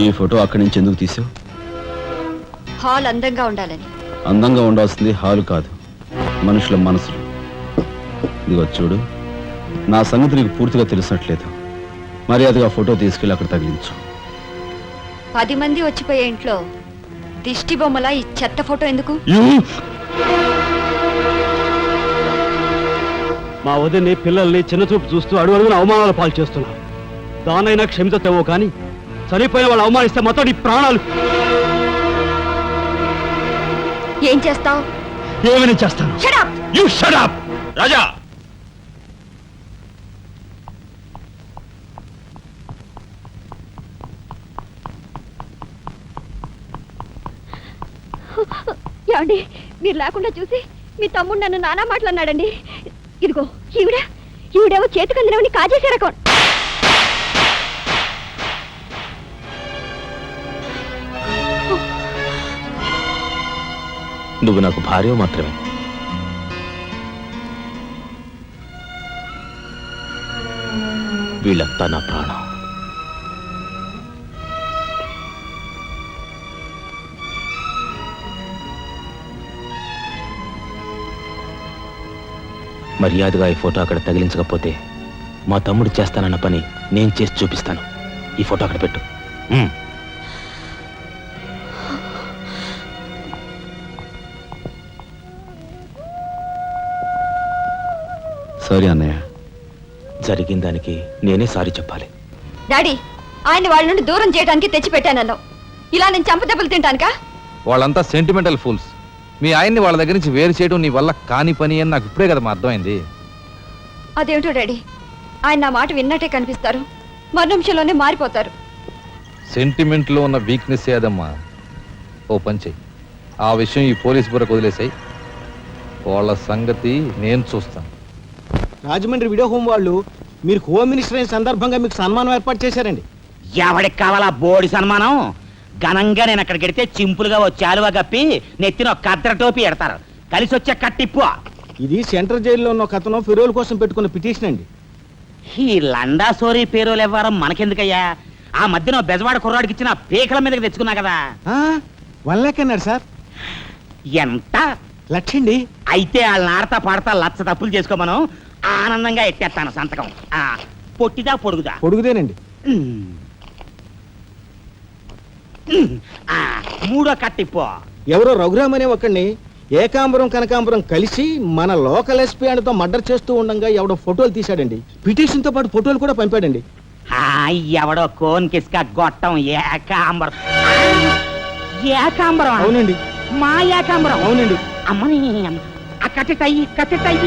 ఈ ఫోటో అక్కడి నుంచి ఎందుకు తీసావు? హాల్ అందంగా ఉండాలని. అందంగా ఉండాల్సింది హాలు కాదు, మనుషుల మనసులు. ఇదిగో చూడు, నా సంగతి నీకు పూర్తిగా తెలిసినట్లేదు. మర్యాదగా ఫోటో తీసుకెళ్ళి అక్కడ తగిలించు. 10 మంది వచ్చిపోయే ఇంట్లో దిష్టి బొమ్మల ఈ చెత్త ఫోటో ఎందుకు? మా వదిని పిల్లల్ని చిన్నచూపు చూస్తూ అడుగున అవమానాలు పాలు చేస్తున్నారు. దానైనా క్షమితేమో కానీ చనిపోయిన వాళ్ళు అవమానిస్తే మొత్తం నీ ప్రాణాలు. ఏం చేస్తావు? ఏమైనా చేస్తాను. You shut up! రాజా, ఏమండి, మీరు లేకుండా చూసి మీ తమ్ముడు నన్ను నానా మాట్లాడినాడండి. ఇదిగో ఈవిడేమో చేతికి అందినవని కాజేసే రకం. నువ్వు నాకు భార్య మాత్రమే. వీళ్ళంతా నా ప్రాణం. మర్యాదగా ఈ ఫోటో అక్కడ తగిలించకపోతే మా తమ్ముడు చేస్తానన్న పని నేను చేసి చూపిస్తాను. ఈ ఫోటో అక్కడ పెట్టు. సారీ అన్నయ్య, జరిగిన దానికి నేనే సారీ చెప్పాలి. డాడీ, ఆయన వాళ్ళ నుండి దూరం చేయడానికి తెచ్చిపెట్టానన్నావు. ఇలా నేను చంపదెబ్బలు తింటానుకా? వాళ్ళంతా సెంటిమెంటల్ ఫూల్స్. మీ ఆయన్ని వాళ్ళ దగ్గర నుంచి వేరు చేయడం నీ వల్ల కాని పని అని నాకు ఇప్పుడే కదా మా అర్థమైంది. అదేమిటో డాడీ, ఆయన నా మాట విన్నట్టే కనిపిస్తారు, మరు నిమిషంలోనే మారిపోతారు. సెంటిమెంట్లో ఉన్న వీక్నెస్ ఏదమ్మా. ఓ పని చెయ్యి, ఆ విషయం ఈ పోలీస్ బుర్రకు వదిలేసాయి. వాళ్ళ సంగతి నేను చూస్తాను. రాజమండ్రి వీడియో హోమ్ వాళ్ళు మీరు హోమ్ మినిస్టర్ అయిన సందర్భంగా మీకు సన్మానం ఏర్పాటు చేశారండి. ఎవడికి కావాలా బోడి సన్మానం? ఘనంగా నేను అక్కడికి వెడితే చింపులుగా ఓ చాలువా కప్పి నెత్తిన ఒక కద్ర టోపీ ఎడతారు. కలిసి వచ్చే కట్టిప్పు. ఇది సెంట్రల్ జైల్లో ఉన్న ఒక అతను ఫిరోల్ కోసం పెట్టుకున్న పిటిషన్ అండి. ఈ లండా సోరీ పేరోలు ఇవ్వడం మనకెందుకయ్యా? ఆ మధ్యన బెజవాడ కుర్రాడికి ఇచ్చిన పీకల మీదకి తెచ్చుకున్నా కదా. 1 lakh అన్నాడు సార్. ఎంత? 1,00,000 అండి. అయితే వాళ్ళని ఆడతా పాడతా లచ్చ తప్పులు చేసుకోమను. ఆనందంగా ఎట్టేస్తాను సంతకం. పొట్టిదా పొడుగుదా? పొడుగుదేనండి. మూడో కట్టిప్పు. ఎవరో రఘురామ్ అనే ఒకడిని ఏకాంబరం కనకాంబరం కలిసి మన లోకల్ ఎస్పీ అండ్తో మర్డర్ చేస్తూ ఉండగా ఎవడో ఫోటోలు తీశాడండి. పిటిషన్ తో పాటు ఫోటోలు కూడా పంపాడండి. ఎవడో కోన్ కిస్క గొట్టం ఏకాంబరం. ఏకాంబరం? అవునండి. మా ఏకాంబరం? అవునండి. అమ్మని కట్టెటయ్యి కట్టెటయ్యి.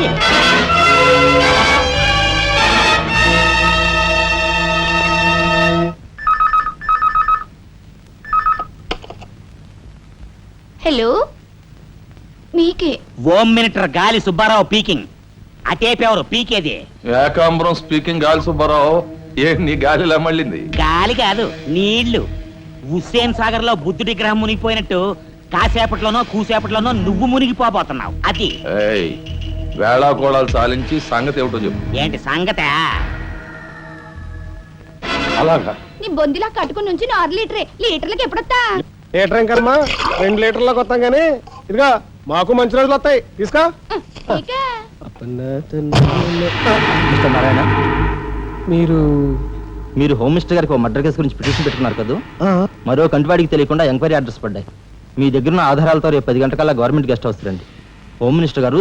హలో, మీకే. Home minister Gali Subbarao speaking. అటేపెవరు పీకేది? ఏకాంబరం స్పీకింగ్. గాలి సుబ్బారావు, ఏ నీ గాలిలా మళ్ళింది? గాలి కాదు, నీళ్లు. హుస్సేన్ సాగర్ లో బుద్ధుడి గ్రహం మునిగిపోయినట్టు కాసేపట్లోనో కూసేపట్లోనో నువ్వు మునిగిపోబోతున్నావు. అది వేళాకోళాలు సాలించి సంగతి ఏమిటో చెప్పు. ఏంటి సంగత? అలాగా నీ బొందిలా కట్టుకుని నుంచి 6 లీటరే. లీటర్లకి ఎప్పుడొస్తా? లీటర్ ఇంకమ్మా 2 లీటర్లకు వస్తాం కానీ ఇదిగా మాకు మంచి రోజులు వస్తాయి. తీసుకో. నారాయణ, మీరు హోమ్ మినిస్టర్ గారికి మర్డర్ కేసు గురించి పిటిషన్ పెట్టుకున్నారు కదా. మరో కంటివాడికి తెలియకుండా ఎంక్వైరీ అడ్రస్ పడ్డాయి. మీ దగ్గర ఉన్న ఆధారాలతో రేపు 10 గంటకల్లా గవర్నమెంట్ గెస్ట్ హౌస్ రండి. హోమ్ మినిస్టర్ గారు